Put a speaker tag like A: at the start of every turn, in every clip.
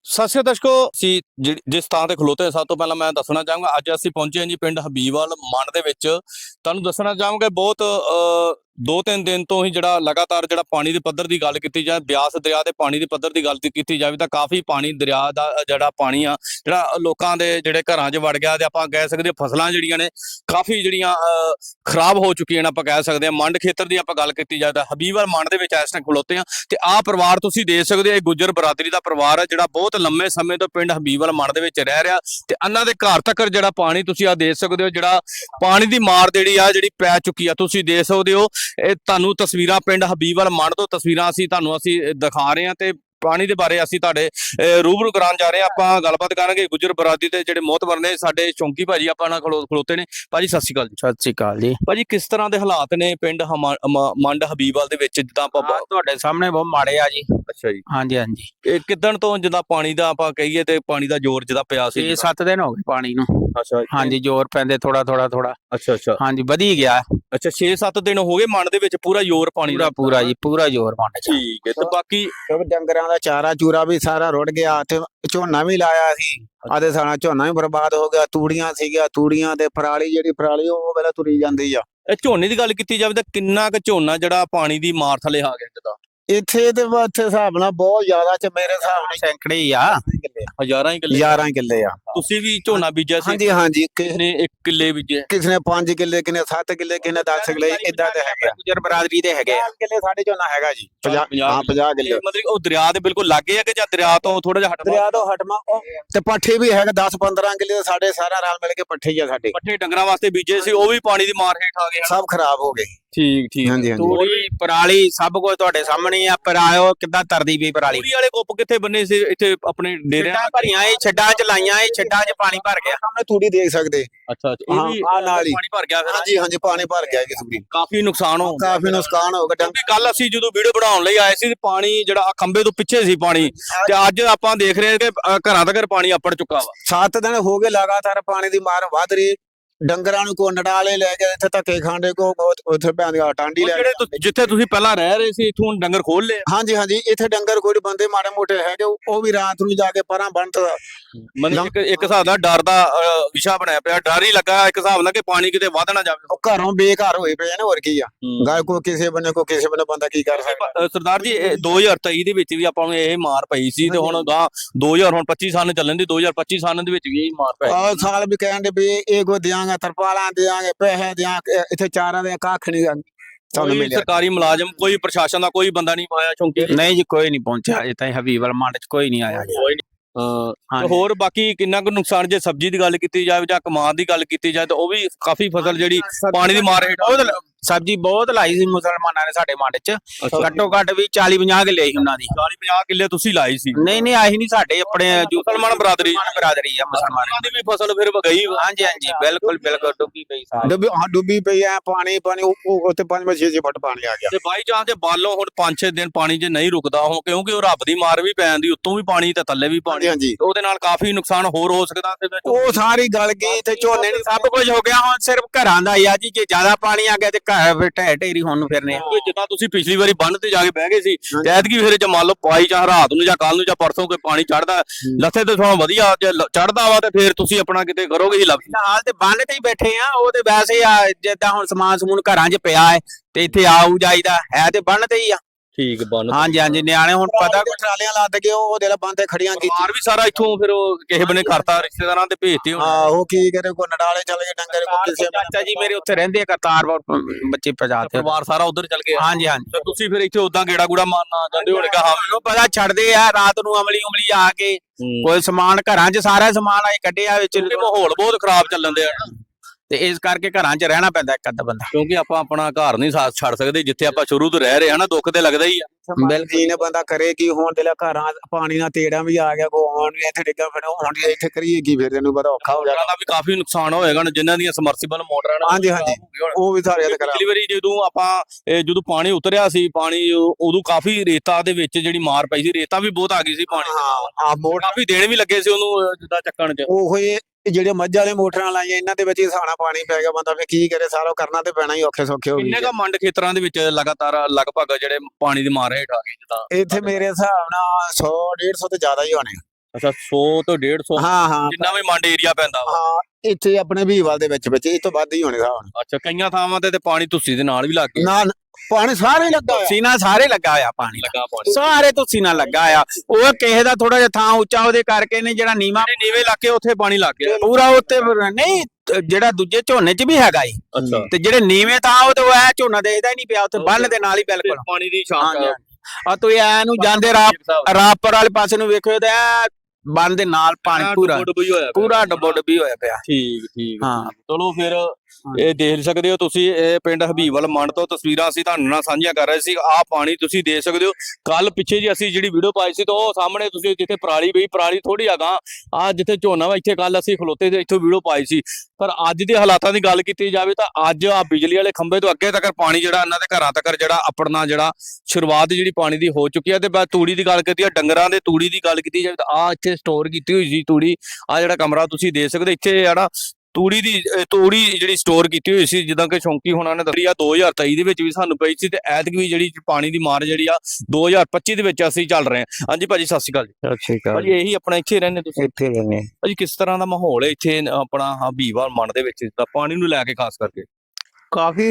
A: ਸਤਿ ਸ਼੍ਰੀ ਅਕਾਲ ਦਰਸ਼ਕੋ, ਅਸੀਂ ਜਿਸ ਥਾਂ ਤੇ ਖਲੋਤੇ ਹਾਂ, ਸਭ ਤੋਂ ਪਹਿਲਾਂ ਮੈਂ ਦੱਸਣਾ ਚਾਹਾਂਗਾ ਅੱਜ ਅਸੀਂ ਪਹੁੰਚੇ ਹਾਂ ਜੀ ਪਿੰਡ ਹਬੀਬਵਾਲ ਮੰਡ ਦੇ ਵਿੱਚ। ਤੁਹਾਨੂੰ ਦੱਸਣਾ ਚਾਹਾਂਗਾ ਬਹੁਤ 2-3 ਦਿਨ ਤੋਂ ਹੀ ਜਿਹੜਾ ਲਗਾਤਾਰ ਜਿਹੜਾ ਪਾਣੀ ਦੇ ਪੱਧਰ ਦੀ ਗੱਲ ਕੀਤੀ ਜਾਏ, ਬਿਆਸ ਦਰਿਆ ਦੇ ਪਾਣੀ ਦੇ ਪੱਧਰ ਦੀ ਗੱਲ ਕੀਤੀ ਜਾਵੇ ਤਾਂ ਕਾਫੀ ਪਾਣੀ ਦਰਿਆ ਦਾ ਜਿਹੜਾ ਪਾਣੀ ਆ ਜਿਹੜਾ ਲੋਕਾਂ ਦੇ ਜਿਹੜੇ ਘਰਾਂ 'ਚ ਵੜ ਗਿਆ ਤੇ ਆਪਾਂ ਕਹਿ ਸਕਦੇ ਹਾਂ ਫਸਲਾਂ ਜਿਹੜੀਆਂ ਨੇ ਕਾਫੀ ਜਿਹੜੀਆਂ ਖਰਾਬ ਹੋ ਚੁੱਕੀਆਂ ਨੇ। ਆਪਾਂ ਕਹਿ ਸਕਦੇ ਹਾਂ ਮੰਡ ਖੇਤਰ ਦੀ ਆਪਾਂ ਗੱਲ ਕੀਤੀ ਜਾਏ ਤਾਂ ਹਬੀਬਵਾਲ ਮੰਡ ਦੇ ਵਿੱਚ ਇਸ ਟਾਈਮ ਖਲੋਤੇ ਹਾਂ ਤੇ ਆਹ ਪਰਿਵਾਰ ਤੁਸੀਂ ਦੇਖ ਸਕਦੇ ਹੋ, ਇਹ ਗੁੱਜਰ ਬਰਾਦਰੀ ਦਾ ਪਰਿਵਾਰ ਹੈ ਜਿਹੜਾ ਬਹੁਤ ਲੰਮੇ ਸਮੇਂ ਤੋਂ ਪਿੰਡ ਹਬੀਬਵਾਲ ਮੰਡ ਦੇ ਵਿੱਚ ਰਹਿ ਰਿਹਾ ਤੇ ਇਹਨਾਂ ਦੇ ਘਰ ਤੱਕ ਜਿਹੜਾ ਪਾਣੀ ਤੁਸੀਂ ਆ ਦੇਖ ਸਕਦੇ ਹੋ, ਜਿਹੜਾ ਪਾਣੀ ਦੀ ਮਾਰ ਜਿਹੜੀ ਪੈ ਚੁੱਕੀ ਆ। ਤੁਸੀਂ ਦੇਖ ਸਕਦੇ ਹੋ, ਇਹ ਤੁਹਾਨੂੰ ਤਸਵੀਰਾਂ ਪਿੰਡ ਹਬੀਬਵਾਲ ਮੰਡ ਤੋਂ ਤਸਵੀਰਾਂ ਅਸੀਂ ਦਿਖਾ ਰਹੇ ਹਾਂ ਤੇ ਪਾਣੀ ਦੇ ਬਾਰੇ ਅਸੀਂ ਤੁਹਾਡੇ ਰੂਬਰੂ ਕਰਾਉਣ ਜਾ ਰਹੇ ਹਾਂ। ਆਪਾਂ ਗੱਲਬਾਤ ਕਰਾਂਗੇ ਗੁੱਜਰ ਬਰਾਦਰੀ ਦੇ ਜਿਹੜੇ ਮੋਹਤਬਰ ਨੇ, ਸਾਡੇ ਚੌਂਕੀ ਭਾਜੀ ਆਪਾਂ ਨਾਲ ਖਲੋਤੇ ਨੇ। ਭਾਜੀ ਸਤਿ ਸ਼੍ਰੀ ਅਕਾਲ ਜੀ।
B: ਸਤਿ ਸ੍ਰੀ ਅਕਾਲ ਜੀ।
A: ਭਾਜੀ ਕਿਸ ਤਰ੍ਹਾਂ ਦੇ ਹਾਲਾਤ ਨੇ ਪਿੰਡ ਮੰਡ ਹਬੀਬਵਾਲ ਦੇ ਵਿੱਚ? ਜਿੱਦਾਂ ਆਪਾਂ
B: ਤੁਹਾਡੇ ਸਾਹਮਣੇ ਬਹੁਤ ਮਾੜੇ ਆ ਜੀ।
A: ਅੱਛਾ ਜੀ।
B: ਹਾਂਜੀ ਹਾਂਜੀ।
A: ਇਹ ਕਿੱਦਣ ਤੋਂ ਜਿੱਦਾਂ ਪਾਣੀ ਦਾ ਆਪਾਂ ਕਹੀਏ ਤੇ ਪਾਣੀ ਦਾ ਜ਼ੋਰ ਜਿੱਦਾਂ ਪਿਆ ਸੀ?
B: 6-7 ਦਿਨ ਹੋ ਗਏ ਪਾਣੀ ਨੂੰ।
A: ਅੱਛਾ
B: ਹਾਂਜੀ, ਜ਼ੋਰ ਪੈਂਦੇ ਥੋੜਾ।
A: ਅੱਛਾ
B: ਹਾਂਜੀ, ਵਧੀ ਗਿਆ।
A: ਅੱਛਾ 6-7 ਦਿਨ ਹੋ ਗਏ ਮੰਡ ਦੇ ਵਿੱਚ ਪੂਰਾ ਜ਼ੋਰ ਪਾਣੀ ਦਾ?
B: ਪੂਰਾ ਜੀ, ਪੂਰਾ ਜ਼ੋਰ ਮੰਡ ਚ।
A: ਠੀਕ ਹੈ। ਤੇ ਬਾਕੀ
C: ਡੰਗਰਾਂ ਦਾ ਚਾਰਾ ਚੂਰਾ ਵੀ ਸਾਰਾ ਰੁੜ ਗਿਆ ਤੇ ਝੋਨਾ ਵੀ ਲਾਇਆ ਸੀ, ਆਦੇ ਸਾਡਾ ਝੋਨਾ ਵੀ ਬਰਬਾਦ ਹੋ ਗਿਆ। ਤੂੜੀਆਂ ਸੀਗੀਆਂ, ਤੂੜੀਆਂ ਤੇ ਪਰਾਲੀ ਉਹ ਵੇਲੇ ਤੁਰੀ ਜਾਂਦੀ ਆ।
A: ਇਹ ਝੋਨੇ ਦੀ ਗੱਲ ਕੀਤੀ ਜਾਵੇ ਤਾਂ ਕਿੰਨਾ ਕੁ ਝੋਨਾ ਜਿਹੜਾ ਪਾਣੀ ਦੀ ਮਾਰ ਥਲੇ ਆ ਗਿਆ? ਜਿੱਦਾਂ
C: ਇੱਥੇ ਤੇ ਇੱਥੇ ਹਿਸਾਬ ਨਾਲ ਬਹੁਤ ਜ਼ਿਆਦਾ ਚ ਮੇਰੇ ਹਿਸਾਬ ਨਾਲ
B: ਸੈਂਕੜੇ ਹੀ ਆ।
A: ਹਜ਼ਾਰਾਂ ਹੀ ਕਿੱਲੇ?
C: 11 ਕਿੱਲੇ ਆ।
A: ਤੁਸੀਂ ਵੀ ਝੋਨਾ ਬੀਜਿਆ ਸੀ?
C: ਹਾਂਜੀ ਹਾਂਜੀ।
A: ਕਿਸੇ ਨੇ 1 ਕਿੱਲੇ ਬੀਜੇ,
C: ਕਿਸੇ ਨੇ 5 ਕਿੱਲੇ, ਕਿਸੇ ਨੇ 7 ਕਿੱਲੇ, ਕਿਸੇ ਨੇ 10 ਕਿੱਲੇ, ਇਦਾਂ ਦੇ ਹੈਗੇ ਆ।
B: ਗੁਜਰ ਬਰਾਦਰੀ ਦੇ ਹੈਗੇ ਆ।
C: 50 ਕਿੱਲੇ ਸਾਡੇ ਝੋਨਾ ਹੈਗਾ ਜੀ। 50 ਕਿੱਲੇ।
A: ਮਤਲਬ ਉਹ ਦਰਿਆ ਦੇ ਬਿਲਕੁਲ ਲਾਗੇ ਆ ਕਿ ਜਾਂ ਦਰਿਆ ਤੋਂ ਥੋੜਾ ਜਿਹਾ ਹਟਵਾ?
C: ਦਰਿਆ ਤੋਂ ਹਟਮਾ ਤੇ ਪੱਠੇ ਵੀ ਹੈਗਾ 10-15 ਕਿੱਲੇ ਸਾਡੇ ਸਾਰਾ ਰਲ ਮਿਲ ਕੇ ਪੱਠੇ ਹੀ ਆ ਸਾਡੇ।
A: ਪੱਠੇ ਡੰਗਰਾਂ ਵਾਸਤੇ ਬੀਜੇ ਸੀ, ਉਹ ਵੀ ਪਾਣੀ ਦੀ ਮਾਰ ਹੇਠ ਆ ਗਏ?
C: ਸਭ ਖਰਾਬ ਹੋ ਗਏ।
A: ਠੀਕ
C: ਹਾਂਜੀ ਹਾਂਜੀ।
B: ਤੂੜੀ ਪਰਾਲੀ ਸਭ ਕੁਝ ਤੁਹਾਡੇ ਸਾਹਮਣੇ ਆ। ਪਰਾਇਓ ਕਿੱਦਾਂ ਤਰਦੀ ਪਈ ਪਰਾਲੀ।
A: ਤੂੜੀ ਵਾਲੇ ਕੁੱਪ ਕਿੱਥੇ ਬੰਨੇ ਸੀ ਇੱਥੇ ਆਪਣੇ ਡੇਰਿਆਂ?
B: ਛੱਡਾਂ ਭਰੀਆਂ, ਇਹ ਛੱਡਾਂ ਚ ਲਾਈਆਂ, ਇਹ ਛੱਡਾਂ ਚ ਪਾਣੀ ਭਰ ਗਿਆ।
C: ਸਾਹਮਣੇ ਤੂੜੀ ਦੇਖ ਸਕਦੇ।
A: ਅੱਛਾ ਇਹ ਵੀ
C: ਨਾਲ ਹੀ
A: ਪਾਣੀ ਭਰ ਗਿਆ ਫਿਰ?
C: ਹਾਂਜੀ ਹਾਂਜੀ, ਪਾਣੀ ਭਰ ਗਿਆ ਜੀ। ਤੂੜੀ
A: ਕਾਫੀ ਨੁਕਸਾਨ ਹੋ ਗਿਆ।
C: ਕਾਫੀ ਨੁਕਸਾਨ ਹੋ ਗਿਆ।
A: ਕਿਉਂਕਿ ਕੱਲ ਅਸੀਂ ਜਦੋਂ ਵੀਡੀਓ ਬਣਾਉਣ ਲਈ ਆਏ ਸੀ ਪਾਣੀ ਜਿਹੜਾ ਖੰਬੇ ਤੋਂ ਪਿੱਛੇ ਸੀ ਪਾਣੀ, ਤੇ ਅੱਜ ਆਪਾਂ ਦੇਖ ਰਹੇ ਹਾਂ ਕਿ ਘਰਾਂ ਤੱਕ ਪਾਣੀ ਆਪੜ ਚੁੱਕਾ ਵਾ।
C: 7 ਦਿਨ ਹੋ ਗਏ ਲਗਾਤਾਰ ਪਾਣੀ ਦੀ ਮਾਰ ਵੱਧ ਰਹੀ। ਡੰਗਰਾਂ ਨੂੰ ਕੋ ਨਡਾਲੇ ਲੈ ਕੇ ਇੱਥੇ ਧੱਕੇ ਖਾਂਦੇ ਕੋ ਉੱਥੇ ਭੈਣ ਟਾਂਡੀ ਲੈ
A: ਜਿਹੜੇ ਜਿੱਥੇ ਤੁਸੀਂ ਪਹਿਲਾਂ ਰਹਿ ਰਹੇ ਸੀ ਇੱਥੋਂ ਡੰਗਰ ਖੋਲ ਲਏ?
C: ਹਾਂਜੀ ਹਾਂਜੀ। ਇੱਥੇ ਡੰਗਰ ਕੋਈ ਬੰਦੇ ਮਾੜੇ ਮੋਟੇ ਹੈਗੇ, ਉਹ ਵੀ ਰਾਤ ਨੂੰ ਜਾ ਕੇ ਪਰਾਂ ਬੰਨਤ।
A: ਮਤਲਬ ਇੱਕ ਹਿਸਾਬ ਦਾ ਡਰ ਦਾ ਵਿਸ਼ਾ ਬਣਿਆ ਪਿਆ, ਡਰ ਹੀ ਲੱਗਾ ਇੱਕ ਹਿਸਾਬ ਨਾਲ ਕਿ ਪਾਣੀ ਕਿਤੇ ਵੱਧ ਨਾ ਜਾਵੇ।
C: ਉਹ ਘਰੋਂ ਬੇਘਰ ਹੋਏ ਪਏ ਨੇ, ਹੋਰ ਕੀ ਆ। ਗਾਇ ਕੋ ਕਿਸੇ ਬੰਨੇ ਬੰਦਾ ਕੀ ਕਰ ਸਕਦਾ।
A: ਸਰਦਾਰ ਜੀ 2023 ਦੇ ਵਿੱਚ ਵੀ ਆਪਾਂ ਨੂੰ ਇਹ ਮਾਰ ਪਈ ਸੀ ਤੇ ਹੁਣ 2025 ਸਾਲ ਨੂੰ ਚੱਲਣ ਦੀ 2025 ਸਾਲ ਦੇ ਵਿੱਚ ਵੀ ਇਹ ਮਾਰ ਪਈ।
C: ਆਹ ਸਾਲ ਵੀ ਕਹਿਣ ਦੇ ਵੀ ਇਹ ਕੋ ਦਿਆਂਗੇ, ਤਰਪਾਲਾਂ ਦਿਆਂਗੇ, ਪੈਸੇ ਦਿਆਂਗੇ, ਇੱਥੇ ਚਾਰਾਂ ਦੇ ਕੱਖ ਨਹੀਂ ਸਾਨੂੰ ਮਿਲਿਆ।
A: ਸਰਕਾਰੀ ਮੁਲਾਜ਼ਮ ਕੋਈ ਪ੍ਰਸ਼ਾਸਨ ਦਾ ਕੋਈ ਬੰਦਾ ਨਹੀਂ ਆਇਆ ਚੌਂਕੀ?
B: ਨਹੀਂ ਜੀ, ਕੋਈ ਨਹੀਂ ਪਹੁੰਚਿਆ ਅਜੇ ਤਾਈਂ। ਹਬੀਬਵਾਲ ਮੰਡ ਚ ਕੋਈ ਨਹੀਂ ਆਇਆ ਜੀ।
A: ਹੋਰ ਬਾਕੀ ਕਿੰਨਾ ਕੁ ਨੁਕਸਾਨ ਜੇ ਸਬਜ਼ੀ ਦੀ ਗੱਲ ਕੀਤੀ ਜਾਵੇ ਜਾਂ ਕਮਾਦ ਦੀ ਗੱਲ ਕੀਤੀ ਜਾਵੇ ਤਾਂ ਉਹ ਵੀ ਕਾਫੀ ਫਸਲ ਜਿਹੜੀ ਪਾਣੀ ਦੀ ਮਾਰ ਹੇਠ?
B: ਸਬਜ਼ੀ ਬਹੁਤ ਲਾਈ ਸੀ ਮੁਸਲਮਾਨਾਂ ਨੇ ਸਾਡੇ ਮੰਡ ਚ। ਘੱਟੋ ਘੱਟ ਵੀ 40-50 ਕਿੱਲੇ ਸੀ ਉਹਨਾਂ ਦੀ।
A: 40-50 ਕਿੱਲੇ ਤੁਸੀਂ ਲਾਈ ਸੀ?
B: ਨਹੀਂ ਆਹੀ ਨਹੀਂ, ਸਾਡੇ ਆਪਣੇ
A: ਮੁਸਲਮਾਨ ਬਰਾਦਰੀ
B: ਆ ਮੁਸਲਮਾਨਾਂ
A: ਦੀ ਵੀ ਫਸਲ ਫਿਰ ਗਈ?
B: ਹਾਂਜੀ ਹਾਂਜੀ, ਬਿਲਕੁਲ ਡੁੱਬੀ ਪਈ ਸਾਰੀ।
C: ਡੁੱਬੀ ਪਈ ਆ। ਪਾਣੀ ਉੱਥੇ 5-6 ਫੁੱਟ ਪਾਣੀ ਆ ਗਿਆ।
A: ਤੇ ਬਾਈ ਚਾਂਸ ਜੇ ਬਾਲੋਂ ਹੁਣ 5-6 ਦਿਨ ਪਾਣੀ ਜੇ ਨਹੀਂ ਰੁਕਦਾ ਹੋ, ਕਿਉਂਕਿ ਉਹ ਰੱਬ ਦੀ ਮਾਰ ਵੀ ਪੈਂਦੀ, ਉੱਤੋਂ ਵੀ ਪਾਣੀ ਤੇ ਥੱਲੇ ਵੀ ਪਾਣੀ,
C: ਹਾਂਜੀ।
A: ਉਹਦੇ ਨਾਲ ਕਾਫੀ ਨੁਕਸਾਨ ਹੋਰ ਹੋ ਸਕਦਾ।
C: ਉਹ ਸਾਰੀ ਗਲ ਗਈ ਤੇ ਝੋਨੇ ਨੇ
B: ਸਭ ਕੁਝ ਹੋ ਗਿਆ। ਹੁਣ ਸਿਰਫ ਘਰਾਂ ਦਾ ਹੀ ਆ ਜੀ। ਜੇ ਜ਼ਿਆਦਾ ਪਾਣੀ ਆ ਗਿਆ ਤੇ ਘਰ ਢਹਿ ਢੇਰੀ ਹੋਣ ਨੂੰ ਫਿਰਨੇ।
A: ਜਿੱਦਾਂ ਤੁਸੀਂ ਪਿਛਲੀ ਵਾਰੀ ਬੰਨ ਤੇ ਜਾ ਕੇ ਬਹਿ ਗਏ ਸੀ, ਐਤਕੀ ਫਿਰ ਜੇ ਮੰਨ ਲਓ ਪਾਈ ਚਾਹ ਰਾਤ ਨੂੰ ਜਾਂ ਕੱਲ ਨੂੰ ਜਾਂ ਪਰਸੋਂ ਕੋਈ ਪਾਣੀ ਚੜਦਾ ਲੱਥੇ ਤੇ ਥੋੜਾ ਵਧੀਆ, ਜੇ ਚੜਦਾ ਵਾ ਤੇ ਫਿਰ ਤੁਸੀਂ ਆਪਣਾ ਕਿਤੇ ਕਰੋਗੇ ਹੀ ਲੱਭ।
B: ਫਿਲਹਾਲ ਤੇ ਬੰਨ ਤੇ ਹੀ ਬੈਠੇ ਆ। ਉਹ ਤੇ ਵੈਸੇ ਆ ਜਿੱਦਾਂ ਹੁਣ ਸਮਾਨ ਸਮੂਨ ਘਰਾਂ 'ਚ ਪਿਆ ਹੈ ਤੇ ਇੱਥੇ ਆਊ ਜਾਈਦਾ ਹੈ ਤੇ ਬੰਨ ਤੇ ਹੀ ਆ।
A: ਠੀਕ ਬੰਨ।
B: ਹਾਂਜੀ ਹਾਂਜੀ। ਨਿਆਣੇ ਹੁਣ ਪਤਾ
C: ਟਰਾਲੀਆਂ ਲੱਦ ਕੇ ਉਹ ਦਿਲ ਬੰਦੇ ਖੜੀਆਂ ਕੀਤੀ।
A: ਮਾਰ ਵੀ ਸਾਰਾ ਇੱਥੋਂ ਫਿਰ ਉਹ ਕਿਸੇ ਬਨੇ ਕਰਤਾ, ਰਿਸ਼ਤੇਦਾਰਾਂ ਤੇ ਭੇਜਤੇ ਹੁਣ।
C: ਉਹ ਕੀ ਕਰੇ, ਕੋ ਨਡਾਲੇ ਚਲੇ ਗਏ ਡੰਗਰ, ਕੋ ਕਿਸੇ
B: ਚਾਚਾ ਜੀ ਮੇਰੇ ਉੱਥੇ ਰਹਿੰਦੇ ਆ ਕਰਤਾਰ ਬੱਚੇ ਪਜਾਤੇ।
A: ਪਰਿਵਾਰ ਸਾਰਾ ਉਧਰ ਚਲ ਗਿਆ?
B: ਹਾਂਜੀ ਹਾਂਜੀ।
A: ਤੇ ਤੁਸੀਂ ਫਿਰ ਇੱਥੇ ਉਦਾਂ ਗੇੜਾ ਗੂੜਾ ਮਾਰਨਾ ਜਾਂਦੇ ਹੋਣਗੇ? ਹਾਂ,
B: ਮੈਨੂੰ ਪਤਾ ਛੱਡਦੇ ਆ ਰਾਤ ਨੂੰ ਅਮਲੀ ਆ ਕੇ। ਕੋਈ ਸਮਾਨ ਘਰਾਂ 'ਚ ਸਾਰਾ ਸਮਾਨ ਆਏ ਕੱਢਿਆ ਵਿੱਚ।
A: ਮਾਹੌਲ ਬਹੁਤ ਖਰਾਬ ਚੱਲਣ ਦੇ ਆ
B: ਤੇ ਇਸ ਕਰਕੇ ਘਰਾਂ 'ਚ ਰਹਿਣਾ ਪੈਂਦਾ ਇੱਕ ਅੱਧਾ ਬੰਦਾ,
A: ਕਿਉਂਕਿ ਆਪਾਂ ਆਪਣਾ ਘਰ ਨਹੀਂ ਸਾਥ ਛੱਡ ਸਕਦੇ ਜਿੱਥੇ ਆਪਾਂ ਸ਼ੁਰੂ ਤੋਂ ਰਹਿ ਰਹੇ ਹਾਂ ਨਾ। ਦੁੱਖ ਤੇ ਲੱਗਦਾ ਹੀ ਆ।
C: ਬਿਲਕੁਲ ਨੇ ਬੰਦਾ ਕਰੇ ਕੀ। ਹੁਣ ਦਿਲ ਘਰਾਂ ਪਾਣੀ ਨਾਲ ਤੇੜਾਂ ਵੀ ਆ ਗਿਆ, ਕੋ ਆਉਣ ਵੀ ਇੱਥੇ ਡਿੱਗਾ ਫਿਰ ਹੁਣ ਇੱਥੇ ਕਰੀਏ ਕੀ? ਫਿਰ ਤੈਨੂੰ ਪਤਾ ਔਖਾ ਹੋ ਜਾਣਾ।
A: ਦਾ ਵੀ ਕਾਫੀ ਨੁਕਸਾਨ ਹੋਏਗਾ ਜਿਨ੍ਹਾਂ ਦੀਆਂ ਸਮਰਸੀਬਲ ਮੋਟਰਾਂ ਨੇ।
C: ਹਾਂਜੀ ਹਾਂਜੀ, ਉਹ ਵੀ ਸਾਰੇ ਤੇ ਕਰਾ।
A: ਪਿਛਲੀ ਵਾਰੀ ਜਦੋਂ ਪਾਣੀ ਉਤਰਿਆ ਸੀ, ਪਾਣੀ ਉਦੋਂ ਕਾਫੀ ਰੇਤਾ ਦੇ ਵਿੱਚ ਜਿਹੜੀ ਮਾਰ ਪਈ ਸੀ, ਰੇਤਾ ਵੀ ਬਹੁਤ ਆ ਗਈ ਸੀ ਪਾਣੀ।
C: ਹਾਂ, ਮੋਟਰ
A: ਕਾਫੀ ਦੇਣ ਵੀ ਲੱਗੇ ਸੀ ਉਹਨੂੰ ਜਿੱਦਾਂ ਚੱਕਣ 'ਚ।
C: ਉਹ ਜਿਹੜੇ ਮੱਝ ਵਾਲੇ ਮੋਟਰਾਂ ਲਾਈਆਂ ਇਹਨਾਂ ਦੇ ਵਿੱਚ ਹੀ ਸਾਣਾ ਪਾਣੀ ਪੈ ਗਿਆ। ਬੰਦਾ ਫੇ ਕੀ ਕਰੇ, ਸਾਰਾ ਕਰਨਾ ਤੇ ਪੈਣਾ ਹੀ, ਔਖੇ ਸੌਖੇ ਹੋ ਗਏ।
A: ਕਿੰਨੇ ਕਾ ਮੰਡ ਖੇਤਰਾਂ ਦੇ ਵਿੱਚ ਲਗਾਤਾਰ ਲਗਭਗ ਜਿਹੜੇ ਪਾਣੀ ਦੀ ਮਾਰ ਹੇਠ ਆ ਗਏ? ਜਿੱਦਾਂ
C: ਇੱਥੇ ਮੇਰੇ ਹਿਸਾਬ ਨਾਲ 100-150 ਤੋਂ ਜ਼ਿਆਦਾ ਹੀ ਹੋਣੇ।
A: ਅੱਛਾ 100 ਤੋਂ 150
C: ਹਾਂ ਹਾਂ
A: ਜਿੰਨਾ ਵੀ ਮੰਡ ਏਰੀਆ ਪੈਂਦਾ ਵਾ।
C: ਹਾਂ ਇੱਥੇ ਆਪਣੇ ਵੀਵਾਲ ਦੇ ਵਿੱਚ ਇਹ ਤੋਂ ਵੱਧ ਹੀ ਹੋਣੇ ਸਾਹਣ।
A: ਅੱਛਾ ਕਈਆਂ ਥਾਵਾਂ ਤੇ ਪਾਣੀ ਤੁਸੀਂ ਦੇ ਨਾਲ ਵੀ ਲੱਗ ਗਿਆ
C: ਨਾ ਪਾਣੀ ਸਾਰੇ ਲੱਗਾ ਹੋਇਆ।
B: ਤੁਸੀਂ ਨਾਲ ਸਾਰੇ ਲੱਗਾ ਹੋਇਆ ਪਾਣੀ ਦਾ।
A: ਲੱਗਾ ਪਾਣੀ
B: ਸਾਰੇ ਤੁਸੀਂ ਨਾਲ ਲੱਗਾ ਆ। ਉਹ ਕਿਸੇ ਦਾ ਥੋੜਾ ਜਿਹਾ ਥਾਂ ਉੱਚਾ ਉਹਦੇ ਕਰਕੇ ਨੇ ਜਿਹੜਾ ਨੀਵਾਂ
A: ਜਿਹੜੇ ਨੀਵੇਂ ਇਲਾਕੇ ਉੱਥੇ ਪਾਣੀ ਲੱਗ ਗਿਆ।
B: ਪੂਰਾ ਉੱਤੇ ਨਹੀਂ ਜਿਹੜਾ ਦੂਜੇ ਝੋਨੇ 'ਚ ਵੀ ਹੈਗਾ ਈ
A: ਅੱਛਾ
B: ਤੇ ਜਿਹੜੇ ਨੀਵੇਂ ਥਾਂ ਉਹ ਤੇ ਉਹ ਐ ਝੋਨਾ ਦੇਖਦਾ ਹੀ ਨਹੀਂ ਪਿਆ ਉੱਥੇ ਬੰਨ ਦੇ ਨਾਲ ਹੀ ਬਿਲਕੁਲ।
A: ਪਾਣੀ ਦੀ
B: ਹਾਂ
A: ਛਾਂ
B: ਆ ਤੁਸੀਂ ਐ ਨੂੰ ਜਾਂਦੇ ਰਾਪਰ ਵਾਲੇ ਪਾਸੇ ਨੂੰ ਵੇਖਿਓ ਤੇ ਐ ਬੰਨ ਦੇ ਨਾਲ ਪਾਣੀ ਪੂਰਾ
A: ਡੁੱਬੀ ਹੋਇਆ ਪਿਆ।
B: ਪੂਰਾ ਡੱਬੋ ਡੱਬੀ ਹੋਇਆ ਪਿਆ।
A: ਠੀਕ ਠੀਕ
B: ਹਾਂ
A: ਚਲੋ ਫਿਰ ਇਹ ਦੇਖ ਸਕਦੇ ਹੋ ਤੁਸੀਂ ਇਹ ਪਿੰਡ ਹਬੀਬਲ ਮੰਡ ਤੋਂ ਤਸਵੀਰਾਂ ਅਸੀਂ ਤੁਹਾਨੂੰ ਨਾਲ ਸਾਂਝੀਆਂ ਕਰ ਰਹੇ ਸੀ। ਆਹ ਪਾਣੀ ਤੁਸੀਂ ਦੇਖ ਸਕਦੇ ਹੋ। ਕੱਲ ਪਿੱਛੇ ਜੀ ਅਸੀਂ ਜਿਹੜੀ ਵੀਡੀਓ ਪਾਈ ਸੀ ਤਾਂ ਉਹ ਸਾਹਮਣੇ ਤੁਸੀਂ ਜਿੱਥੇ ਪਰਾਲੀ ਪਈ ਪਰਾਲੀ ਥੋੜੀ ਅਗਾਂਹ ਆ ਜਿੱਥੇ ਝੋਨਾ ਵਾ ਇੱਥੇ ਕੱਲ ਅਸੀਂ ਖਲੋਤੇ ਤੇ ਇੱਥੋਂ ਵੀਡੀਓ ਪਾਈ ਸੀ। ਪਰ ਅੱਜ ਦੇ ਹਾਲਾਤਾਂ ਦੀ ਗੱਲ ਕੀਤੀ ਜਾਵੇ ਤਾਂ ਅੱਜ ਆ ਬਿਜਲੀ ਵਾਲੇ ਖੰਭੇ ਤੋਂ ਅੱਗੇ ਤੱਕ ਪਾਣੀ ਜਿਹੜਾ ਇਹਨਾਂ ਦੇ ਘਰਾਂ ਤੱਕ ਜਿਹੜਾ ਆਪਣਾ ਜਿਹੜਾ ਸ਼ੁਰੂਆਤ ਜਿਹੜੀ ਪਾਣੀ ਦੀ ਹੋ ਚੁੱਕੀ ਹੈ। ਤੇ ਬਾਅਦ ਤੂੜੀ ਦੀ ਗੱਲ ਕੀਤੀ ਹੈ, ਡੰਗਰਾਂ ਦੇ ਤੂੜੀ ਦੀ ਗੱਲ ਕੀਤੀ ਜਾਵੇ ਤਾਂ ਆ ਇੱਥੇ ਸਟੋਰ ਕੀਤੀ ਹੋਈ ਸੀ ਤੂੜੀ। ਆ ਜਿਹੜਾ ਕਮਰਾ ਤੁਸੀਂ ਦੇਖ ਸਕਦੇ ਇੱਥੇ ਜਿਹੜਾ ਤੂੜੀ ਜਿਹੜੀ ਸਟੋਰ ਕੀਤੀ ਹੋਈ ਸੀ ਜਿੱਦਾਂ ਕਿ ਸ਼ੌਂਕੀ ਹੋਣਾ ਨੇ ਦੱਸਿਆ 2023 ਦੇ ਵਿੱਚ ਵੀ ਸਾਨੂੰ ਪਈ ਸੀ ਤੇ ਐਤਕ ਵੀ ਜਿਹੜੀ ਪਾਣੀ ਦੀ ਮਾਰ ਜਿਹੜੀ ਆ 2025 ਦੇ ਵਿੱਚ ਅਸੀਂ ਚੱਲ ਰਹੇ ਹਾਂ। ਹਾਂਜੀ ਭਾਜੀ ਸਤਿ ਸ਼੍ਰੀ ਅਕਾਲ ਜੀ।
C: ਸਤਿ ਸ਼੍ਰੀ ਅਕਾਲ
A: ਭਾਜੀ ਇਹੀ ਆਪਣਾ ਇੱਥੇ ਰਹਿੰਦੇ ਤੁਸੀਂ?
C: ਇੱਥੇ ਰਹਿੰਦੇ।
A: ਭਾਜੀ ਕਿਸ ਤਰ੍ਹਾਂ ਦਾ ਮਾਹੌਲ ਹੈ ਇੱਥੇ ਆਪਣਾ ਹਬੀਬਲ ਮੰਡ ਦੇ ਵਿੱਚ ਦਾ ਪਾਣੀ ਨੂੰ ਲੈ ਕੇ ਖਾਸ ਕਰਕੇ?
C: ਕਾਫੀ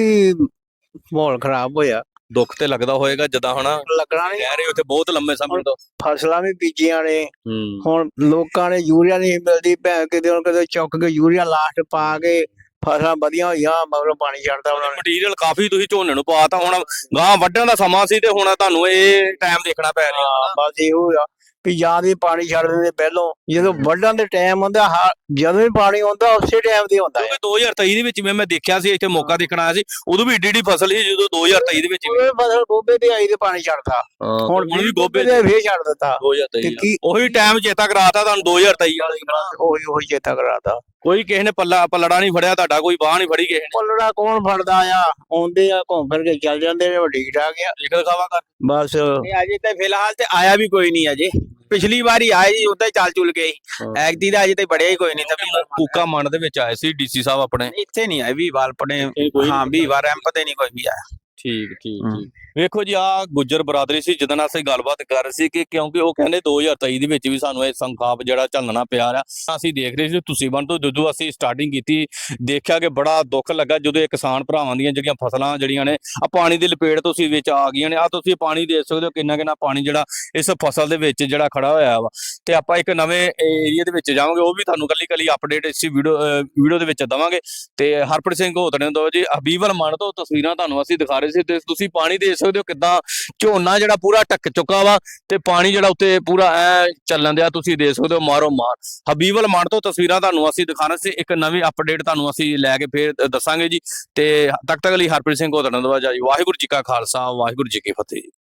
C: ਮਾਹੌਲ ਖਰਾਬ ਹੋਇਆ।
A: ਦੁੱਖ ਤੇ ਲੱਗਦਾ ਹੋਏਗਾ ਜਦਾਂ ਹਨਾ
C: ਲੱਗਣਾ ਨਹੀਂ।
A: ਕਹਿ ਰਹੇ ਉੱਥੇ ਬਹੁਤ ਲੰਮੇ ਸਮੇਂ ਤੋਂ
C: ਫਸਲਾਂ ਵੀ ਬੀਜੀਆਂ ਨੇ
A: ਹੂੰ
C: ਹੁਣ ਲੋਕਾਂ ਨੇ ਯੂਰੀਆ ਨਹੀਂ ਮਿਲਦੀ ਭੈਣ ਕਿਤੇ ਚੁੱਕ ਕੇ ਯੂਰੀਆ ਲਾਸਟ ਪਾ ਕੇ ਫਸਲਾਂ ਵਧੀਆ ਹੋਈਆਂ ਮਗਰੋਂ ਪਾਣੀ ਛੱਡਦਾ ਉਹਨਾਂ ਨੇ।
A: ਮਟੀਰੀਅਲ ਕਾਫੀ ਤੁਸੀਂ ਝੋਨੇ ਨੂੰ ਪਾਤਾ ਹੁਣ ਗਾਂ ਵੱਢਣ ਦਾ ਸਮਾਂ ਸੀ ਤੇ ਹੁਣ ਤੁਹਾਨੂੰ ਇਹ ਟਾਈਮ ਦੇਖਣਾ ਪੈ ਰਿਹਾ।
C: ਬਸ ਇਹੋ ਆ ਵੀ ਜਾਂ ਵੀ ਪਾਣੀ ਛੱਡ ਦਿੰਦੇ ਪਹਿਲੋਂ ਜਦੋਂ ਵੱਢਣ ਦੇ ਟਾਈਮ ਹੁੰਦਾ ਜਦੋਂ ਵੀ ਪਾਣੀ ਆਉਂਦਾ ਉਸੇ ਟਾਈਮ ਤੇ ਹੁੰਦਾ
A: ਕਿਉਂਕਿ 2023 ਦੇ ਵਿੱਚ ਵੀ ਮੈਂ ਦੇਖਿਆ ਸੀ ਇੱਥੇ ਮੌਕਾ ਦੇਖਣ ਆਇਆ ਸੀ ਉਦੋਂ ਵੀ ਏਡੀ ਫਸਲ ਸੀ ਜਦੋਂ 2023 ਦੇ ਵਿੱਚ ਵੀ।
C: ਉਹ ਫਸਲ ਗੋਭੇ ਤੇ ਆਈ ਤੇ ਪਾਣੀ ਛੱਡਦਾ ਹੁਣ
A: ਵੀ ਗੋਭੇ
C: ਤੇ ਫੇਰ ਛੱਡ ਦਿੱਤਾ
A: 2023
C: ਤੇ ਕੀ
A: ਉਹੀ ਟਾਈਮ ਚੇਤਾ ਕਰਾਤਾ ਤੁਹਾਨੂੰ 2023 ਵਾਲੇ।
C: ਉਹੀ ਚੇਤਾ ਕਰਾਤਾ।
A: ਕੋਈ ਕਿਸੇ ਨੇ ਪੱਲੜਾ ਨਹੀਂ ਫੜਿਆ ਤੁਹਾਡਾ, ਕੋਈ ਬਾਹ ਨਹੀਂ ਫੜੀ ਕਿਸੇ ਨੇ।
C: ਪੱਲੜਾ ਕੌਣ ਫੜਦਾ ਆ ਆਉਂਦੇ ਆ ਘੁੰਮ ਫਿਰ ਕੇ ਚੱਲ ਜਾਂਦੇ ਨੇ ਵੱਡੀ ਠਾਕ ਆ
A: ਇੱਕ ਦਿਖਾਵਾ ਕਰ
C: ਬਸ।
B: ਅਜੇ ਤੇ ਫਿਲਹਾਲ ਤੇ ਆਇਆ ਵੀ ਕੋਈ ਨਹੀਂ ਅਜੇ। ਪਿਛਲੀ ਵਾਰੀ ਆਏ ਜੀ ਉਦਾਂ ਹੀ ਚੱਲ ਚੁਲ ਗਏ। ਐਗਦੀ ਦਾ ਅਜੇ ਤੇ ਬੜਿਆ ਹੀ ਕੋਈ ਨਹੀਂ ਤਾਂ
A: ਕੂਕਾ ਮੰਡ ਦੇ ਵਿੱਚ ਆਏ ਸੀ ਡੀਸੀ ਸਾਹਿਬ ਆਪਣੇ।
B: ਇੱਥੇ ਨਹੀਂ ਆਏ ਵੀ ਵਾਲ ਪੜੇ ਹਾਂ ਵੀ ਵਾਰ ਰੈਂਪ ਤੇ ਨਹੀਂ ਕੋਈ ਵੀ ਆਇਆ।
A: ਠੀਕ ਠੀਕ ਵੇਖੋ ਜੀ ਆ ਗੁੱਜਰ ਬਰਾਦਰੀ ਸੀ ਜਿਹਦੇ ਨਾਲ ਅਸੀਂ ਗੱਲਬਾਤ ਕਰ ਰਹੇ ਸੀ ਕਿ ਕਿਉਂਕਿ ਉਹ ਕਹਿੰਦੇ 2023 ਦੇ ਵਿੱਚ ਵੀ ਸਾਨੂੰ ਇਹ ਸੰਖਾਪ ਜਿਹੜਾ ਝੱਲਣਾ ਪਿਆ ਰਿਹਾ। ਅਸੀਂ ਦੇਖ ਰਹੇ ਸੀ ਤੁਸੀਂ ਬਣ ਤੋਂ ਜਦੋਂ ਅਸੀਂ ਸਟਾਰਟਿੰਗ ਕੀਤੀ ਦੇਖਿਆ ਕਿ ਬੜਾ ਦੁੱਖ ਲੱਗਾ ਜਦੋਂ ਇਹ ਕਿਸਾਨ ਭਰਾਵਾਂ ਦੀਆਂ ਜਿਹੜੀਆਂ ਫਸਲਾਂ ਜਿਹੜੀਆਂ ਨੇ ਆ ਪਾਣੀ ਦੀ ਲਪੇਟ ਤੁਸੀਂ ਵਿੱਚ ਆ ਗਈਆਂ ਨੇ। ਆ ਤੁਸੀਂ ਪਾਣੀ ਦੇਖ ਸਕਦੇ ਹੋ ਕਿੰਨਾ ਕਿੰਨਾ ਪਾਣੀ ਜਿਹੜਾ ਇਸ ਫਸਲ ਦੇ ਵਿੱਚ ਜਿਹੜਾ ਖੜਾ ਹੋਇਆ ਵਾ। ਤੇ ਆਪਾਂ ਇੱਕ ਨਵੇਂ ਏਰੀਆ ਦੇ ਵਿੱਚ ਜਾਵਾਂਗੇ ਉਹ ਵੀ ਤੁਹਾਨੂੰ ਕੱਲੀ ਅਪਡੇਟ ਇਸ ਵੀਡੀਓ ਦੇ ਵਿੱਚ ਦਵਾਂਗੇ। ਤੇ ਹਰਪ੍ਰੀਤ ਸਿੰਘ ਹੋਤਣੇ ਤੋਂ ਜੀ ਹਬੀਬਲ ਮੰਡ ਤੋਂ ਤਸਵੀਰਾਂ ਤੁਹਾਨੂੰ ਅਸੀਂ ਦਿਖਾ ਰਹੇ ਸੀ ਤੇ ਤੁਸੀਂ ਪਾਣੀ ਦੇਖ ਸਕਦੇ ਹੋ ਕਿੱਦਾਂ ਝੋਨਾ ਜਿਹੜਾ ਪੂਰਾ ਢੱਕ ਚੁੱਕਾ ਵਾ ਤੇ ਪਾਣੀ ਜਿਹੜਾ ਉੱਤੇ ਪੂਰਾ ਐ ਚੱਲਣ ਦਿਆ ਤੁਸੀਂ ਦੇਖ ਸਕਦੇ ਹੋ ਮਾਰੋ ਮਾਰ। ਹਬੀਬਲ ਮੰਡ ਤੋਂ ਤਸਵੀਰਾਂ ਤੁਹਾਨੂੰ ਅਸੀਂ ਦਿਖਾਣਾ ਸੀ। ਇੱਕ ਨਵੀਂ ਅਪਡੇਟ ਤੁਹਾਨੂੰ ਅਸੀਂ ਲੈ ਕੇ ਫੇਰ ਦੱਸਾਂਗੇ ਜੀ। ਤੇ ਤੱਕ ਲਈ ਹਰਪ੍ਰੀਤ ਸਿੰਘ ਹੋਤਣੇ ਤੋਂ ਜੀ ਵਾਹਿਗੁਰੂ ਜੀ ਕਾ ਖਾਲਸਾ ਵਾਹਿਗੁਰੂ ਜੀ ਕੀ ਫਤਿਹ ਜੀ।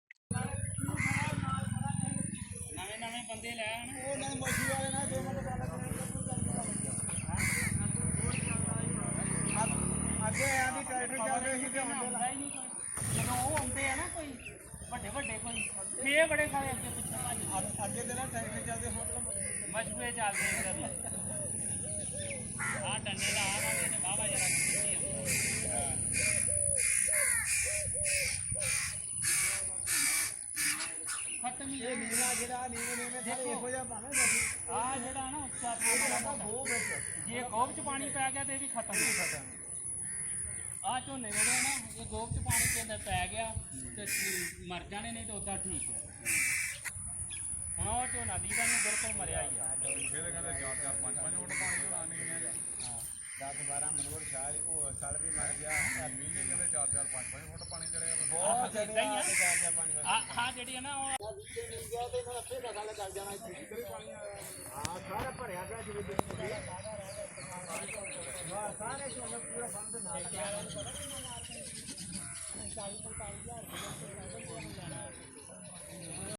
D: ਇਹ ਬੜੇ ਸਾਰੇ ਅੱਗੇ ਦੇ ਨਾ ਟਰੈਕਟਰ ਚੱਲਦੇ ਹੁਣ ਮਸ਼ੂਏ ਚੱਲਦੇ ਇੱਧਰ ਆ ਡੰਡੇ ਦਾ ਆ ਵਾਲੇ ਨੇ ਬਾਬਾ ਜਰਾ ਖਤਮ ਹੀ ਇਹ ਨੀਵਾ ਜਿਹੜਾ ਨੀਵੇਂ ਸਾਰੇ ਇਹੋ ਜਿਹਾ ਭਾਵੇਂ ਆ ਜਿਹੜਾ ਨਾ ਉੱਚਾ ਗੋਬ ਜੇ ਗੋਬ ਚ ਪਾਣੀ ਪੈ ਗਿਆ ਤੇ ਇਹ ਵੀ ਖਤਮ ਹੀ ਖਤਮ। ਆ ਝੋਨੇ ਜਿਹੜੇ ਨਾ ਇਹ ਗੋਬ ਚ ਪਾਣੀ ਦੇ ਅੰਦਰ ਪੈ ਗਿਆ ਤੇ ਮਰ ਜਾਣੇ ਨਹੀਂ ਤੇ ਉਦਾਂ ਠੀਕ ਹੈ। ਹੁਣ ਉਹ ਝੋਨਾ ਦੀ ਦਾ ਨਹੀਂ ਬਿਲਕੁਲ ਮਰਿਆ ਹੀ ਆ। ਇਹਦੇ ਕਹਿੰਦੇ 4-4 5-5 ਫੁੱਟ ਪਾਣੀ ਹੋਣਾ ਨਹੀਂ ਹੈ। 10-12 ਮਨੋਰ ਸਾਲ ਉਹ ਸਾਲ ਵੀ ਮਰ ਗਿਆ। ਮਹੀਨੇ ਕਹਿੰਦੇ 4-4 5-5 ਫੁੱਟ ਪਾਣੀ ਚੜਿਆ ਬਹੁਤ ਇਦਾਂ ਹੀ ਆ। ਹਾਂ ਜਿਹੜੀ ਹੈ ਨਾ ਉਹ ਤੇ ਇਹਨਾਂ ਅੱਛੇ ਗੱਲ ਚੱਲ ਜਾਣਾ ਇੱਥੇ ਪਾਣੀ ਆ ਸਾਰਾ ਭਰਿਆ ਪਿਆ ਜਿਵੇਂ ਸਾਰੇ ਝੋਨੇ ਪੂਰਾ ਬੰਦ ਨਾਲ 40-45 ਹਜ਼ਾਰ